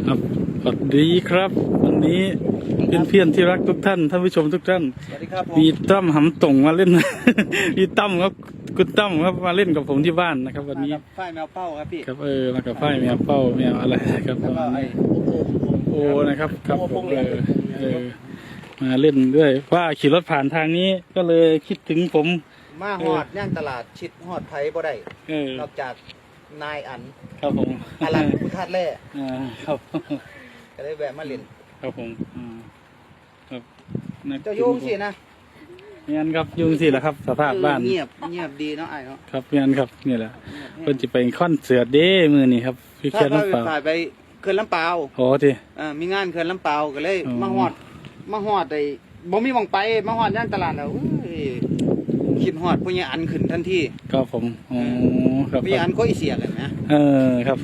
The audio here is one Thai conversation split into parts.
ครับสวัสดีครับวันนี้เพื่อนที่รักทุกท่านท่านผู้ชมทุกท่านสวัสดีครับผมมีตั้มหำต่งมาเล่น มีตั้มครับคุณตั้มครับมาเล่นกับผมที่บ้านนะครับ วันนี้ฝ้ายแมวเป้าครับพี่ครับมากับฝ้ายแมวเป้าแมวอะไรครับแล้วก็ไอ้โอ้นะครับครับผมมาเล่นด้วยว่าขี่รถผ่านทางนี้ก็เลยคิดถึงผมมาฮอดย่างตลาดชิดฮอดไผบ่ได้นอกจากนายอันครับผมอลันพุทธาแร่ครับก็เลยแวะมาเล่นครับผมครับเจ้ายุ่งสินะงั้นครับยุ่งสิแหละครับสภาพบ้านเงียบดีเนาะไอ้เนาะครับงั้นครับนี่แหละเพิ่นจะไปคอนเสิร์ตเด้มือนี่ครับพี่เขื่อนลำปาวไปเขื่อนลำปาวโอ้ทีมีงานเขื่อนลำปาวก็เลยมาฮอดไอ้บ่มีหม่องไปมาฮอดย่างตลาดแล้วคิดฮอดผู้ใหญ่อันขึ้นทันทีครับผมอ๋อครับผู้ใหญ่อันก็อีเสียกันนะครับ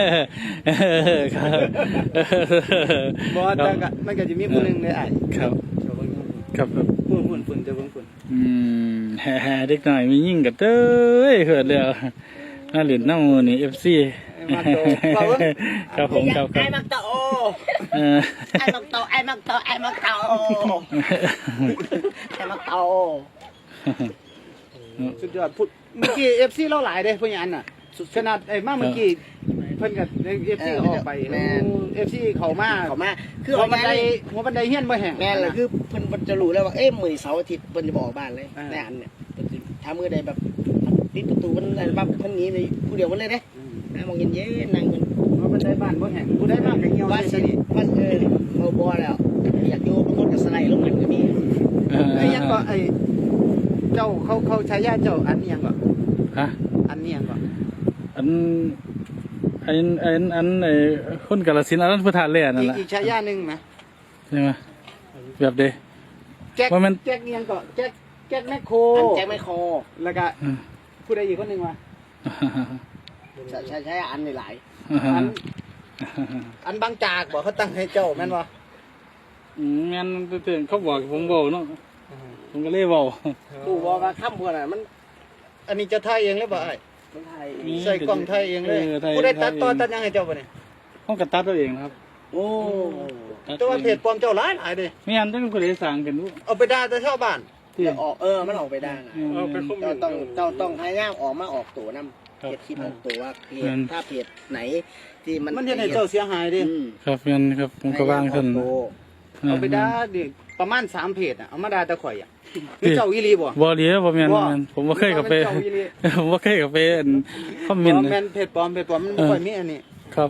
บ่แต่ก็มันก็จะมีผู้นึงเลยไอ้ครับครับฝุ่นจะเบิ่งฝุ่นแฮ่เด็กหน่อยมียิ่งกับเต้ยเกิดแล้วน่าเหรียญน้ำมือนี่ FC ครับผมครับไอ้มักโตไอ้มักโตไอ้มักโตไอ้มักโตไอ้มักโตสุดยอดพูดเมื่อกี้ FC เราหลายเด้ผู้ใหญ่อันน่ะขนาดไอ้มาเมื่อกี้เพิ่นกับ FC ออกไปFC เข้ามาคือหัวบันไดเฮียนบ่แห้งแม่นล่ะคือเพิ่นจะรู้แล้วว่ามื้อเสาร์อาทิตย์เพิ่นจะบ่ออกบ้านเลยในอันเนี่ยถ้ามื้อใดแบบปิดประตูมันอะไรบ้างเพิ่นหนีเลยผู้เดียวมันเลยเด้มองเย็นๆนั่งกันหัวบันไดบ้านบ่แห้งผู้ใดมากก็เหี่ยวว่าสิมันบ่แล้วอยากอยู่บางคนก็สไลด์ลงมันก็มีไอ้ยังก็ไอ้เจ้าเขาใช้ญาติเจ้าอันนี้ยังก็ฮะอันนี้ยังก็อันไอ้คนกาฬสินธุ์อันนั้นพุทธาแล่นั่นแหละอีกใช้ญาตินึงมั้ยใช่มั้ยแบบเด้แจ็คยังก็แจ็คแมคโครอันแจ็คแมคโครแล้วก็ผู้ใดอีกคนนึงวะใช้อันหลายอันบางจากบอกเขาตั้งให้เจ้าแม่นบ่แม่นตื่นเขาบอกผมบอกเนาะผมก็เลยบอกกูบอกว่าค่ำบัวน่ะมันอันนี้จะถ่ายเองเลยบ่ไอ้ใส่กล้องถ่ายเองเลยผู้ใดตัดยังให้เจ้าบ่เนี่ยห้องกระตัดตัวเองครับโอ้แต่ว่าเพจปลอมเจ้าหลายเด้ไม่งั้นต้องผู้ใดสั่งกันดูเอาไปด่าแต่ชาวบ้านมันออกไปได้นะต้องพยายามออกมาออกตัวนำเพจคิดออกตัวว่าเพจถ้าเพจไหนที่มันเฮ็ดให้เจ้าเสียหายดิครับงั้นครับผมก็วางท่านเอาไปด่าดิประมาณ3เพจอ่ะเอามาด่าแต่ข่อยอ่ะเจ้าอีหลีบ่บ่ดีบ่แม่นผมบ่เคยกับไปผมบ่เคยกับไปคอมเมนต์แม่นเพจปลอมมันบ่ค่อยมีอันนี้ครับ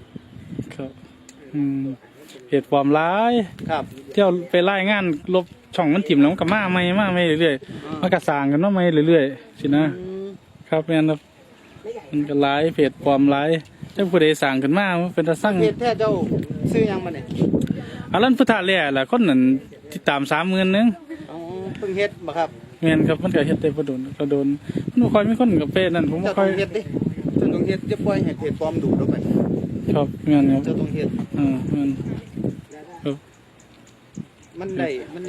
เพจปลอมหลายครับเที่ยวไปรายงานลบช่องมันถิ่มแล้วมันก็มาใหม่เรื่อยๆมันก็สร้างกันมาใหม่เรื่อยๆสินะครับแม่นครับมันก็หลายเพจปลอมหลายจังผู้ใดสร้างขึ้นมามันเป็นตาสั่งเพจแท้เจ้าซื้อยังบ่เนี่ยอันนั้นพุทธาแล่ล่ะคนนั้นติดตาม 30,000 นึงอ๋อเพิ่งเฮ็ดบ่ครับแม่นครับมันก็เฮ็ดได้บ่โดนมันบ่ค่อยมีคนกับเพจนั่นผมบ่ค่อยเฮ็ดดิเจ้าต้องเฮ็ดจะปล่อยให้เพจปลอมดูดออกไปครับแม่นครับเจ้าต้องเฮ็ดแม่นครับมันได้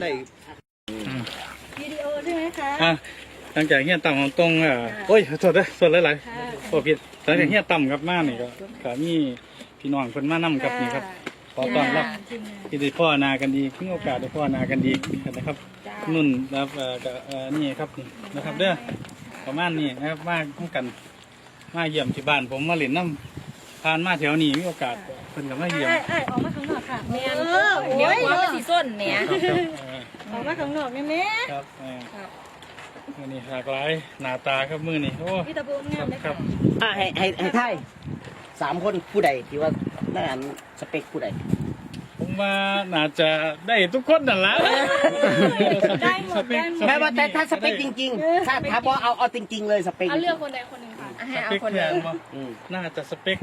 วิดีโอใช่ไหมคะหลังจากเฮียต่ำของตรงโอ้ยโทษเด้อโทษหลายๆผิดหลังจากเฮียต่ำกับมานี่ก็มีพี่น้องเพิ่นมานำกับนี่ครับขอต้อนรับที่ได้พ่อนากันดีมีโอกาสได้พ่อนากันดีนะครับนุ่นครับนี่ครับนี่นะครับเด้อประมาณนี้นะครับมาคู่กันมาเยี่ยมที่บ้านผมมาเล่นน้ำผ่านมาแถวนี้มีโอกาสเพิ่นก็มาเยี่ยมออกมาข้างนอกค่ะแม่เดี๋ยวว่ามันสีส้นเนี่ยออกมาข้างนอกแม่ครับมื้อนี้หลากหลายหน้าตาครับมื้อนี้โอ้พี่ตะบูนงามเลยครับให้ไทย3คนผู้ใดที่ว่าน่าอันสเปคผู้ใดผมว่าน่าจะได้ทุกคนนั่นแหละได้หมดแม้ว่าแต่ถ้าสเปคจริงๆถ้าพอเอาจริงๆเลยสเปคเอาเลือกคนใดคนหนึ่งค่ะให้เอาคนเดียวน่าจะสเปค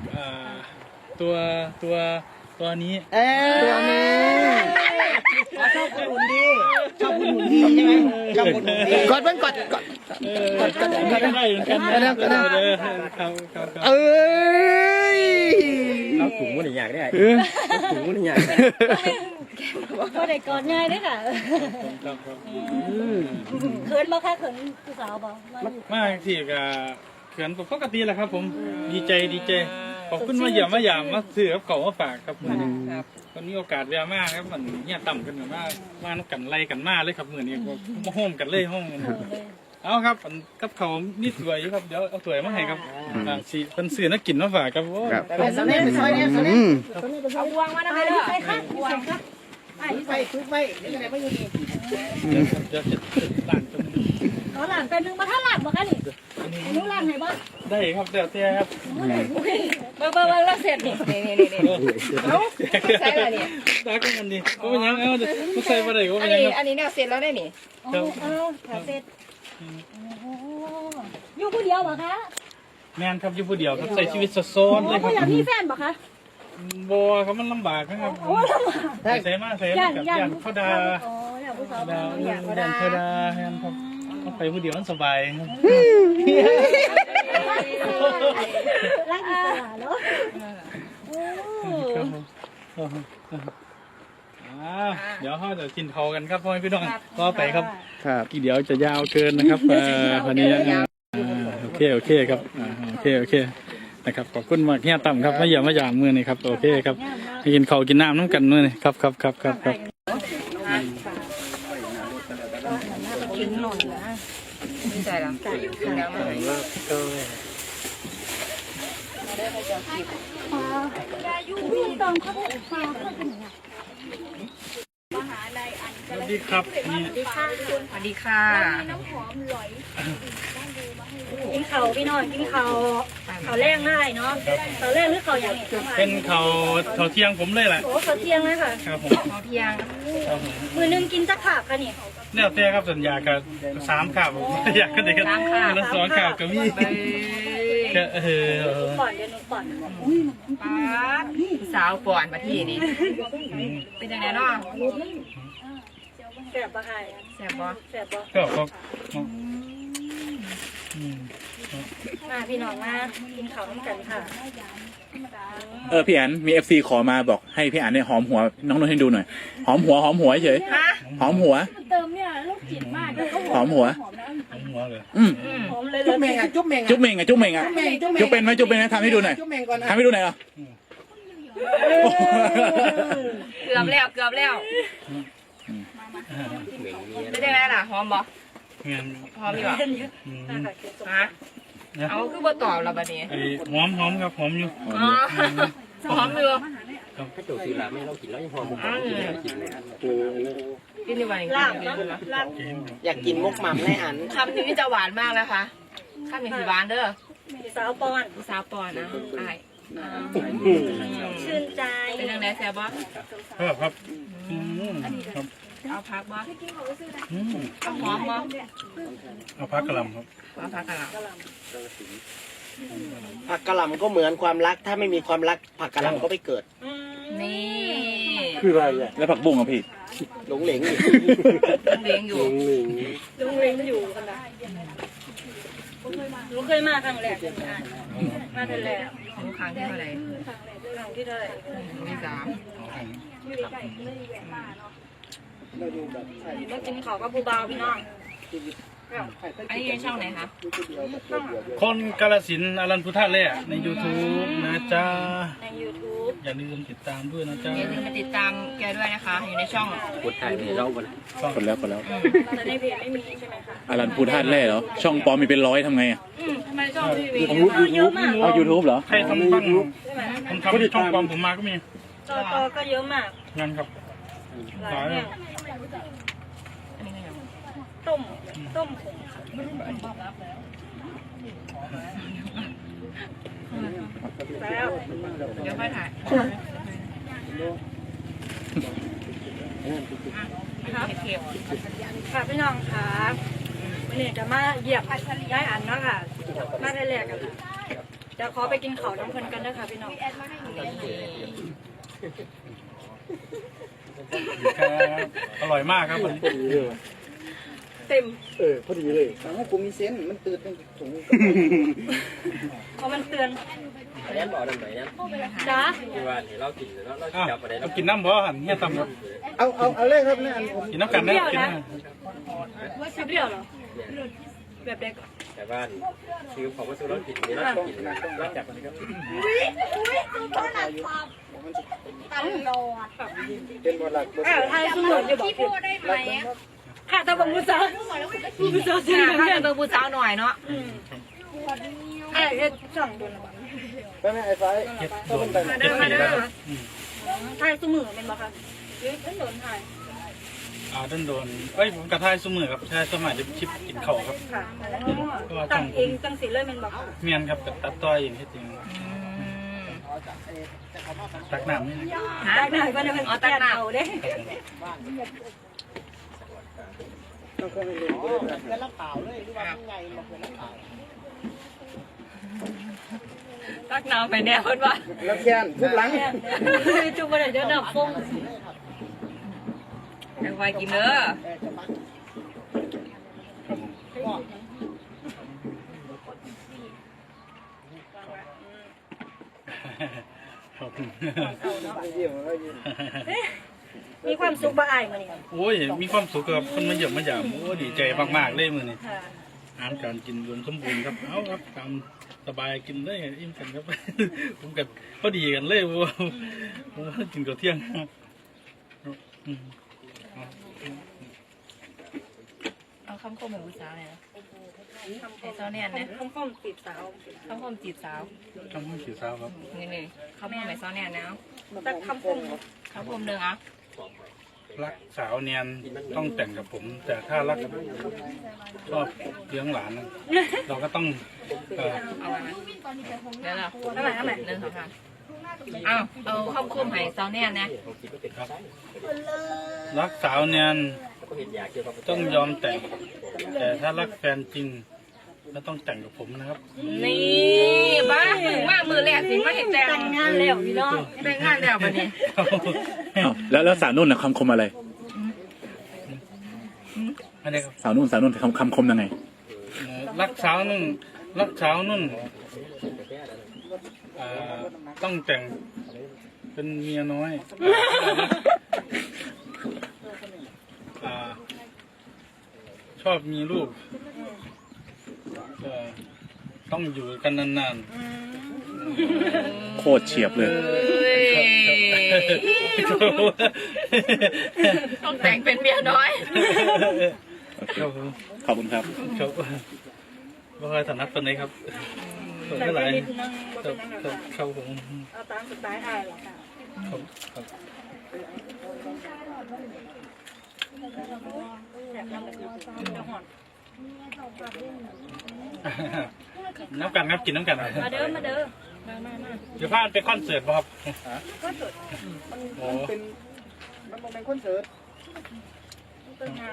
ตัวนี้ชอบคนหุ่นดีใช่ไหมชอบคนหุ่นดีกดได้เหมือนกันเอาถุงมันอยากได้ถุงมันอยากได้ก็ได้กอดง่ายด้วยค่ะเขินบ่ค่ะเขินผู้สาวบ่มากที่กับเขินปกติแหละครับผมดีใจพขอบคุณมาเยี่ยมมาหยามมาซื้อกับเขามาฝากครับมื้อนี้วันนี้โอกาสแวะมากครับมันเนี่ยต่ำกันมากมานักกันไล่กันมาเลยครับมื้อนี้มาโฮมกันเลยห้องเอาครับกับเขานี่สวยอยู่ครับเดี๋ยวเอาสวยมาให้ครับสิเพิ่นซื้อนักกินมาฝากครับโอ้แต่สำเร็จซอยนี้สำเร็จเอาบวงมาได้เลยใส่ค่ะใส่ค่ะไปทุกไปนี่อะไรไม่อยู่นี่เดี๋ยวจะล้างจนขอหลานเป็นนึงมาถ้าหลานบ่คะนี่หนูหลานให้บ่ได้ครับเดี๋ยวเตี้ยครับเบิ่งแล้วเสร็จนี่เอาใส่แล้วนี่ได้ก็มันดีก็เป็นยังเอาไม่ใส่มาได้ก็อัเป็น นยังนี้ครับอันนี้เนี่ยเสร็จแล้วได้นี่ถ้าเสร็จอยู่ผู้เดียวบ่คะแม่นครับอยู่ผู้เดียวครับใส่ชีวิตโซนเลยคบ่รับอยากมีแฟนบ่คะบัวเขามันลำบากนะครับใส่มาใส่มากับย่านเขาดาอ๋ออยากผู้สาวดาย่านเขาดาแฮนครับเขาไปผู้เดียวมันสบายครับรักอิสระเนาะครับเดี๋ยวเขาจะกินเขากันครับพ่อแม่พี่น้องก็ไปครับครับอีเดี๋ยวจะยาวเกินนะครับวันนี้โอเคครับโอเคนะครับขอบคุณมากเฮียต่ำครับมาเยี่ยมมาหยามมือนี่ครับโอเคครับกินข้าวกินน้ำน้ำกันมือนี่ครับกินหน่อยนะไม่ใช่หรอกินแล้วมาให้พี่ตองเขาไปฟังเขาเป็นยังไงสวัสดีครับนี่สวัสดีค่ะกินเขาพี่น้องกินเขาแรงง่ายเนาะเขาแรงหรือเขาอย่างเป็นเขาเที่ยงผมเลยแหละโอ้เขาเที่ยงเลยค่ะครับผมพอเพียงครับผมมือนึงกินจักขาบค่ะนี่เนี่ยเต้ครับสัญญากับ3ข่าวผมอยากกันเด็กกันแล้ว2ข่าวก็มีก็ก่อนเดี๋ยวหนูก่อนป้าสาวป่อนมาที่นี่เป็นยังไงเนาะแสบปะไอ้แซ่บบ่แสบปะก็ครับมาพี่น้องมากินเขาวกันค่ะพี่อันมี FC ขอมาบอกให้พี่อันเนี่ยหอมหัวน้องนนท์ให้ดูหน่อยหอมหัวเฉยฮะหอมหัวเติมเนี่ยลูกจิตมากเลยหอมหัวหัวเลยหอมเลยจุ๊บเมงอ่ะจุ๊บเมงจุ๊บเมงอ่ะจุ๊บเมงอ่ะจุ๊บเป็นไหมทำให้ดูหน่อยจุ๊บเมงก่อนนะทำให้ดูหน่อยเหรอเกือบแล้วไม่ได้ไหมล่ะหอมบ่เงี้ยหอมอยู่ฮะเอาคือบ่ตอบเราบัดนี้ไอ้หอมครับหอมอยู่อ๋อหอมอยู่ถ้าโจซื้อละไม่เรากินแล้วยังพอผมกินเลยกินดีกว่าลาบกินเนาะดีกว่าลาบอยากกินมุกหม่ำให้อันคำนี้จะหวานมากนะคะคำนี้สิหวานเด้อสาวปอนสาวปอนนะไอ้ชื่นใจเป็นยังไงแซ่บบ่ครับครับเอาพักบ่เอาหอมบ่เอาพักกระลำครับเอาพักกันละผักกะหล่ำก็เหมือนความรัก ถ้าไม่มีความรักผักกะหล่ำก็ไม่เกิดนี่คืออะไรอ่ะแล้วผักบุ้งอ่ะพี่หลงเหลงอยู่เลี้ยงอยู่ลุงเล้งอยู่กันนะหนูเคยมาครั้งแรกมาแต่แรกรู้ครั้งที่เท่าไหร่ครั้งที่เท่าไหร่ที่3 มากินเขากับผู้บ่าวพี่น้องอันนี้ช่องไหนคะคนกาลสินธุ์อรันพุทธะเล่ใน YouTube นะจ๊ะใน YouTube อย่าลืมติดตามด้วยนะจ๊ะอย่าลืมมาติดตามแกด้วยนะคะ อยู่ในช่องกดถ่ายไปเราบนคนแล้วแต่ในเพจไม่มีใช่ไหมคะอรันพูธาตุแร่เหรอช่องปลอมมีเป็น100ทำไงอ่ะทำไมช่องทีวีเยอะมากเอา YouTube เหรอใครทำบ้างใช่ไหมผมทำช่องความผมมาก็มีจอก็เยอะมากงานครับหลายเนี่ยอันนี้ก็ยังต้มผง แล้วเดี๋ยวค่อยถ่ายเค็มค่ะพี่น้องค่ะวันนี้จะมาเหยียบย้ายอันเนาะค่ะ มาได้แรกกันเดี๋ยวขอไปกินข้าวน้ำเพลินกันนะคะพี่น้องอร่อยมากครับเต็มพอดีเลยกูมีเซนมันตื่นเป็นถุงเพราะมันเตือนแน่นบอกดังไหนนะจ้าที่ว่าเรากินแล้วเราจับไปได้เอากินน้ำบ่หันเฮียตำครับเอาเลยครับเนี่ยอันผมกินน้ำกันนะกินน้ำเปรี้ยวเหรอแบบเด็กแต่ว่าคือของวัสดุเรากินนี่เรากินนะเราจับมันก็เป็นบทหลักบทไทยสมุนจะบอกพี่ได้ไหมค่ะตะบังมุสามุสาเสียงถ้าแก่จะเบิ่งผู้สาวหน่อยเนาะเอ๊ะช่องโดนละไปไหมไอ้ไฟโดนมาเด้อมาเด้อไทยสมุนเป็นบ่คะโดนไทยโดนเอ้ยผมกระทายสมือครับใช่สมัยจะชิปกินเข่าครับค่ะตั้งเองตั้งสีเลยเป็นบ่เมียนครับตัดต่อยเองที่จริงตักน้ำนี่ตักหน่อยก็ได้เป็นตักหนาวเด้ต้องเคยเรียนเพื่อนรับเปล่าเลยหรือว่าไงมาเพื่อนรับเปล่าตักน้ำไปแน่เพิ่นว่าแล้วแค้นทุบหลังจุ่มบ่ได้เดี๋ยวน้ำฟงแรงไวกินเด้อครับมีความสุขบ่อายมื้อนี้โอ้ยมีความสุขกับคนมาเยี่ยมมาหยามโอ้ดีใจมากๆเลยมื้อนี้ค่ะอาหารการกินรวมสมบูรณ์ครับเอาครับตามสบายกินได้อิ่มกันครับ ผมกับพอดีกันเลยว่ากินกับเที่ยงอืมเอาคำคมของผู้สาวเนี่ยนะไอ้สาวเนี่ยนะคมจีบสาวคำคมจีบสาวทำให้ผิวสาวครับนี่คำคมไอ้สาวเนี่ยนะแต่คำคมคำคมหนึ่งอ่ะรักสาวเนียนต้องแต่งกับผม แต่ถ้ารักชอบเลี้ยงหลานนะเราก็ต้องเอาไว้ไหมเดี๋ยวเรานั่นแหละนั่นแหละหนึ่งสองสามเอาคำคมให้สาวเนี่ยนะครับรักสาวเนียนก็เห็นอยากเกี่ยวกับต้องยอมแต่ง แต่ถ้ารักแฟนจริงก็ต้องแต่งกับผมนะครับนี่บ้าถึงมากมือแรกสิมาเห็นแต่แต่งงานแล้วพี่น้องแต่งงานแล้วบัดนี้อ้าวแล้วสาวนุ่นนะคำคมอะไรอันนี้ครับสาวนุ่นคำคมยังไงรักสาวนุ่นต้องแต่งเป็นเมียน้อยชอบมีลูกต้องอยู่กันนานโคตรเฉียบเลยๆต้องแต่งเป็นเมียน้อยครับผมขอบคุณครับครับว่าเคยถนัดตัวไหนครับส่วนแต่เท่าไหร่นิดนึงบ่ครัเป็นบนั่นครับครับผมเอาตามสไตล์อายหรอกค่ะครับครับ น้ำกันครับกินน้ำกันมาเด้อมาเด้อเดี๋ยวพาไปคอนเสิร์ตป่ะครับก็สุดโอ้มันเป็นคอนเสิร์ตเป็นงาน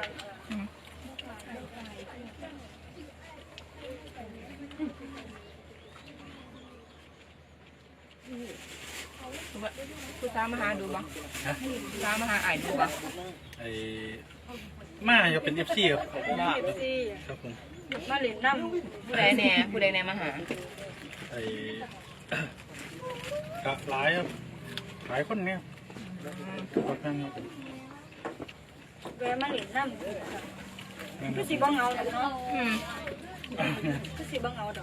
ผู้สาวมาหาดูบ่ผู้สาวมาหาไอ้ดูบ่ไอ้มาจะเป็น FC ครับที่ครับผมมาเล่นน้ำผู้ใดแน่มาหาไอ้กะหลายครับหลายคนเนี่ยครับครับแวะมาเล่นน้ำคือสิบ่เหงาดอกเนาะคือสิบ่เหงาดอก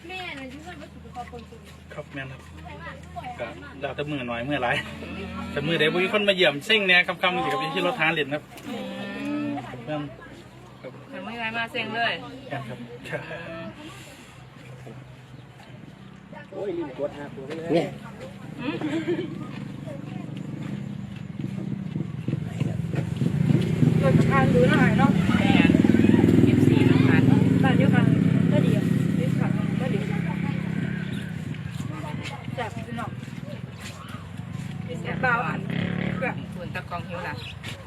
ครับแม่นครับก็แล้วแต่มือหน่อยมือหลายแต่มือใดบุญคนมาเยี่ยมซิ่งเนี่ยคำๆสิครับที่รถทานเล่นครับแม่นครับมันไม่ไรมาเซ็งเลยแม่นครับโอ้ยลืมกดหาตัวเลยรถทางดูหน่อยเนาะแม่14น้ำพันบ้านเดียวกันก็ดีดีค่ะก็ดีแซ่บพี่น้องแซ่บเบาอันแบบส่วนตะกองหิวล่ะ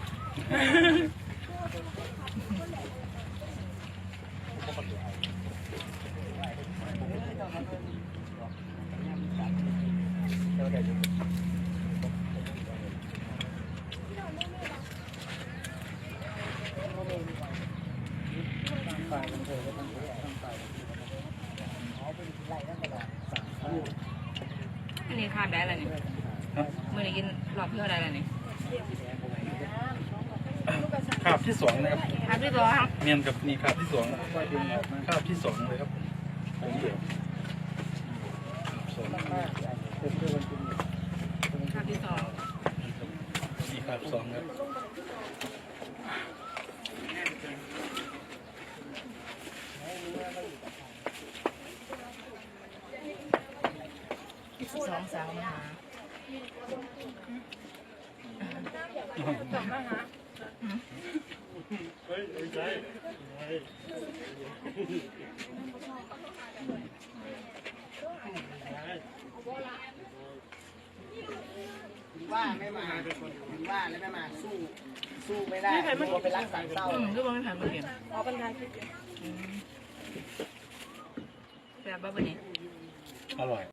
อันนี้ข้ามได้แล้วนี่เมื่อนี้กินรอบเพื่ออะไรแล้วนี่ภาพที่2นะครับครับพี่ตัวเมียนกับนี่ครับที่สองครับที่สองเลยครับผมเดียวสองครับพี่สองนี่ครับสองครับสองสาวมาหาจบแล้วนะว่าไม่มาว่าแล้วไม่มาสู้ไม่ได้ตัวไปรักสามเศร้าก็บอกไม่ผ่านมาเห็นขอบรรทายคลิปแบบบ้าบันนี้อร่อย